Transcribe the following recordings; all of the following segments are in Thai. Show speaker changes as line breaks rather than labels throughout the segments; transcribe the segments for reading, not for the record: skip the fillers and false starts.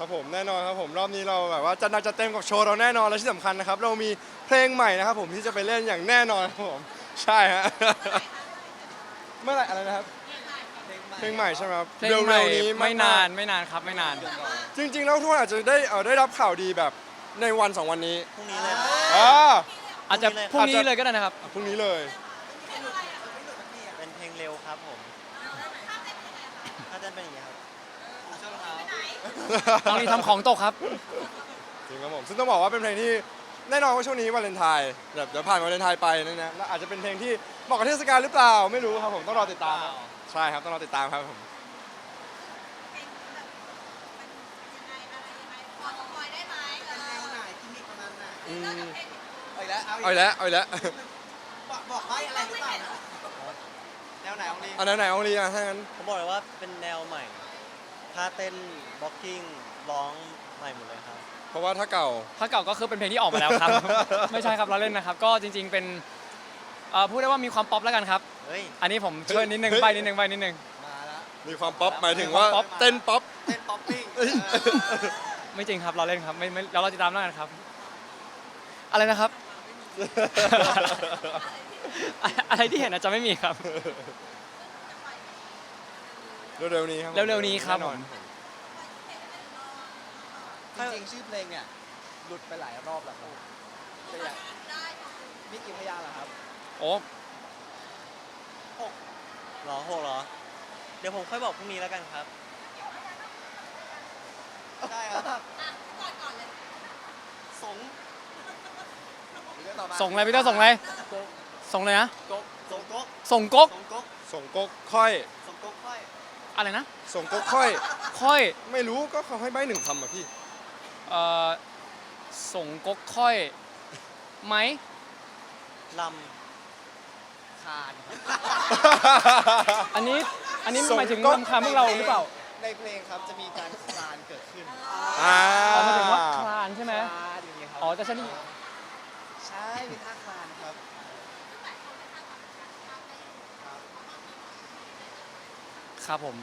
ครับผมแน่นอนครับผมรอบนี้เราแบบว่าจัดหนักจัดเต็มกับโชว์เราแน่นอนและที่สำคัญนะครับเรามีเพลงใหม่นะครับผมที่จะไปเล่นอย่างแน่นอนครับผมใช่ฮะเมื่อไหร่อะไรนะครับเพลงใหม่ใช่ไหมครับ
เพลงใหม่
เร็วๆนี้
ไม่นาน
ก
ไม่นานครับไม่นาน
ๆจริงๆแล้วทุกคนอาจจะได้รับข่าวดีแบบในวัน2วันนี้
พรุ่งนี้เลย
อ่า
อาจจะพรุ่งนี้เลยก็ได้นะครับ
พรุ่งนี้เลย
เป็นเพลงเร็วครับผมถ้าเต้นเป็นอย่างนี้ครับ
ต้องรีบทำของตกครับ
จริงครับผมซึ่งต้องบอกว่าเป็นเพลงที่แน่นอนว่าช่วงนี้วาเลนไทน์แบบเดี๋ยวผ่านวาเลนไทน์ไปนั่นนะแล้วอาจจะเป็นเพลงที่เหมาะกับเทศกาลหรือเปล่าไม่รู้ครับผมต้องรอติดตามครับใช่ครับต้องรอติดตามครับผมอืม
เอาอีกแล้ว
เอาอีกแล้วเอาอีกแล้ว
บอกให้อะไรหรือเปล่านะแนวไหนของลี
อันไหนเอาลีอ่ะถ้างั้น
ผมบอกเลยว่าเป็นแนวใหม่ท่าเต้นบล็อกกิ้งร้องใหม่หมดเลยครับ
เพราะว่าถ้าเก่า
ถ้าเก่าก็คือเป็นเพลงที่ออกมาแล้วครับ ไม่ใช่ครับเราเล่นนะครับ ก็จริง ๆเป็นพูดได้ว่ามีความป๊อปแล้วกันครับ
เฮ้ย
อันนี้ผมช่วยนิดนึง
เฮ้ย
ใบนิดนึงใบนิดนึง
มาแล้ว
มีความป๊อปหมายถึงว่า
มีความป๊อป
เต้นป๊อป
เต้นป๊อปปิ้ง
เอ้ย
ไม่จริงครับเราเล่นครับไม่เราติดตามแล้วกันครับ อะไรนะครับ อะไรที่เห็นอาจจะไม่มีครับ
เร็วๆนี้ครับผม
เร็วๆนี้ครับ
แน่นอน
จริงๆชื่อเพลงเนี่ยหลุดไปหลายรอบแล้วครับแต่อยากมีกี่พยางค์เหรอครับ
โอ้
หรอ6เหรอ เดี๋ยวผมค่อยบอกพรุ่งนี้แล้วกันครับ
ได้ครับสงเรื่องต่อมา
ส่งอะไรพี่เต้าส่งอะไรส่งเลยนะ
ก๊กสงก๊ก
ส่งก๊ก
สงก๊ก
ส่งก๊กค่อย
สงก๊กค่อย
อะไรนะ
ส่งก๊กค่อย
ค่อย
ไม่รู้ก็เขาให้ใบหนึ่งคำอ่ะพี่
เอ่อส่งก๊กค่อยไหม
ล
คาน
อันนี้
ส่ง
หมายถึง
ก๊ก
รำคาญพวกเราหรือเปล่า
ในเพลงครับจะมีการคลานเกิดขึ้น
อ่า
อ๋อหมายถึงว่าคลานใช่ไหม
คลานอย่างเงี้ยครับ
อ๋อจะใช่นี่
ใช่มีท่าคลานครับ
ครับผม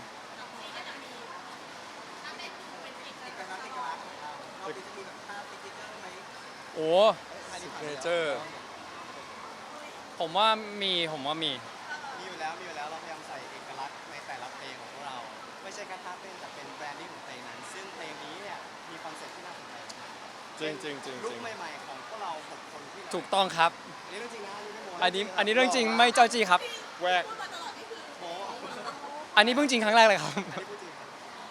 ติดกันนะติดกันนะเราจะมีแบบท่าติ๊กติ๊กเกอร์ไหม
โอ้
ซิกเนเจอร์
ผมว่ามี
มีอยู่แล้วเราพยายามใส่เอกลักษณ์ในแต่ละเพลงของพวกเรา ไม่ใช่แค่ท่าเต้นแต่เป็นแบรนดิ้งของเพลงนั้น ซึ่งเพลงนี้เนี่ยมีคอนเซ็ปต์ที่น่าสนใจมาก
จริงจริงจริง
ลุ
จ
ค
ริง
ใหม่ๆของพวกเรา6คนที่เรา
ถูกต้องครับ
อันนี้เรื่องจริงนะอันนี้ไม่โม้
อันนี้เรื่องจริงไม่เจ้าจี้ครับ
แวก
โม้
อันนี้เพิ่งจริงครั้งแรกเลยครับ
อันนี้พูดจริง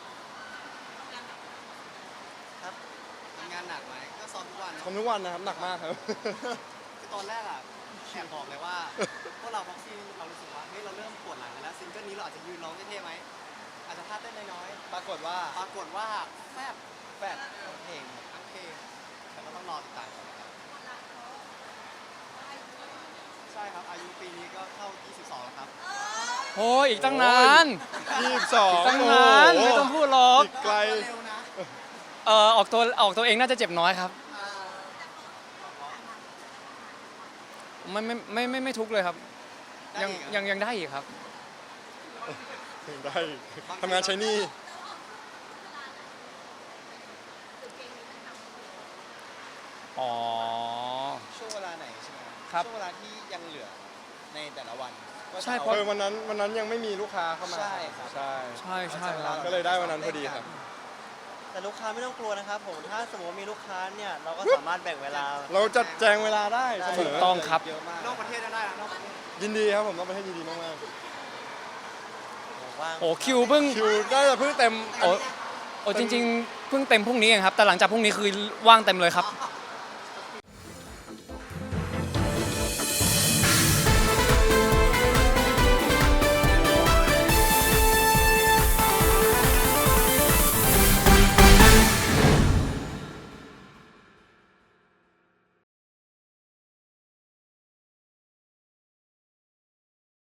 ครับทำงานหนักไหมก็ซ้อมทุกวันเนอะ
ทำทุกวันนะครับหนักมากครับ
คือตอนแรกอะแอบบอกเลยว่าพวกเราบ็อกซี่เรารู้สึกว่าเฮ้ยเราเริ่มปวดหลังกันแล้วซิงเกิลนี้เราอาจจะยืนร้องเท่ๆไหมอาจจะท่าเต้นน้อยๆปรากฏว่าแฟบทั้งเพลงแต่ก็ต้องรอติดตามกันนะครับใช่ครับอายุปีนี้ก็เข้า 22 แล้วครับ
โอ้ยอีกตั้งนาน
22
ตั้งนานไม่ต้องพูดหรอก
อีกไกล
เร็วนะ
ออกตัวเองน่าจะเจ็บน้อยครับ ไม่ทุกข์เลยครับ ยังได้อีกครับ
ถึงได้ทำงานใช้หนี่
อ๋อ
ช่วงเวลาไหนใช่ไหม
ครับ
ช่วงเวลาที่ยังเหลือในแต่ละวันก็จะ
ใช่
เอา
เพราะ
วันนั้นยังไม่มีลูกค้าเข้ามา
ใช่ครับ
ใช่
ใช่ครับ
ก็เลยได้วันนั้นพอดีครับ
ำแต่ลูกค้าไม่ต้องกลัวนะครับผม ถ้าสมมติมีลูกค้าเนี่ยเราก็สามารถแบ่งเวลา
เราจัดแจงเวลาได้เสม
ถู
อก
ต้องครับ
เยอะมากนอกประเทศได้นะนอกประเทศ
ยินดีครับผมต้องไปให้ยินดีมาก
ว่าง
โอ้คิวเพิ่ง
ๆคิวได้แต่เพิ่งเต็ม
โอ้จริง ๆ เพิ่งเต็มพรุ่งนี้เองครับ แต่หลังจากพรุ่งนี้คือว่างเต็มเลยครับ
อ